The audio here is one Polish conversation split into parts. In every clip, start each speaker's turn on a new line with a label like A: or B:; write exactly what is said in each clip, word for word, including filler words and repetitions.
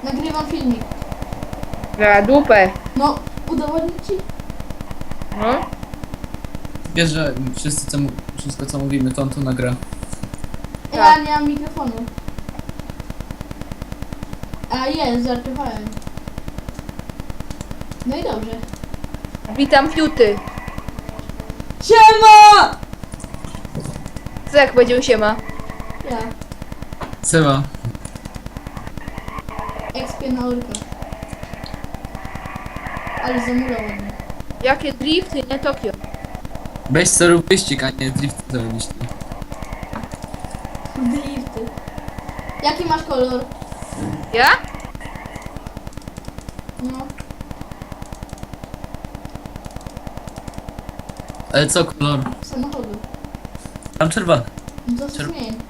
A: Nagrywam filmik.
B: Na dupę.
A: No, udowodnię ci.
B: No.
C: Wiesz, że wszyscy, co, mu- wszystko co mówimy, to on tu nagra.
A: Ja
B: Tak.
A: nie mam mikrofonu. A jest, żartowałem. No i dobrze.
B: Witam fiuty.
A: Siema!
B: Co jak powiedział siema?
A: Ja,
C: Seba,
A: ekspię na orka. Ale zamulał ładnie.
B: Jakie drifty, nie Tokio.
C: weź co rób wyścig, a nie drift zrobić.
A: Drifty. Jaki masz kolor?
B: Ja?
A: No.
C: Ale co kolor?
A: Samochodu.
C: Tam czerwony.
A: No to się
C: Czerw-
A: zmień.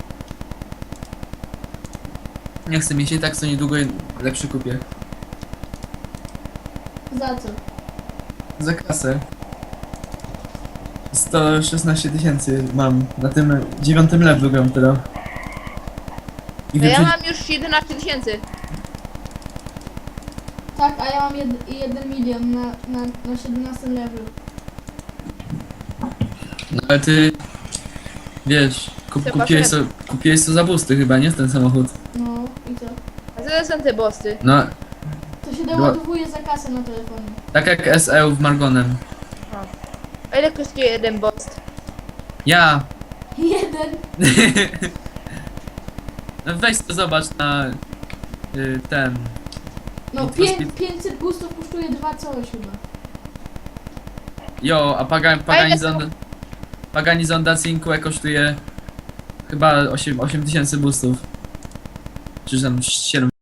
C: Nie chcę mieć i tak co niedługo lepszy kupię.
A: Za co?
C: Za kasę. sto szesnaście tysięcy mam. Na tym dziewiątym levelu gram teraz. I
B: No ja
C: wyprzedzi-
B: mam już jedenaście tysięcy.
A: Tak, a ja mam jed, jeden milion na, na, na siedemnastym levelu.
C: No ale ty... Wiesz, kup,
B: Trzeba
C: kupiłeś,
B: sobie-
C: to, kupiłeś to za busty chyba, nie? Ten samochód.
A: No i co?
B: A co to są te bossy?
C: No,
A: To się doładowuje za kasę na telefonie.
C: tak jak S E w Margonem.
B: A ile kosztuje jeden boss?
C: Ja!
A: Jeden.
C: No weź to zobacz na... Y, ten...
A: No
C: I
A: pię,
C: to
A: pięćset boostów kosztuje dwa coś chyba.
C: Jo, a Paga,
B: A ile
C: Paganizon... Paganizon da cinque kosztuje... Chyba osiem tysięcy boostów. Czy tam siedem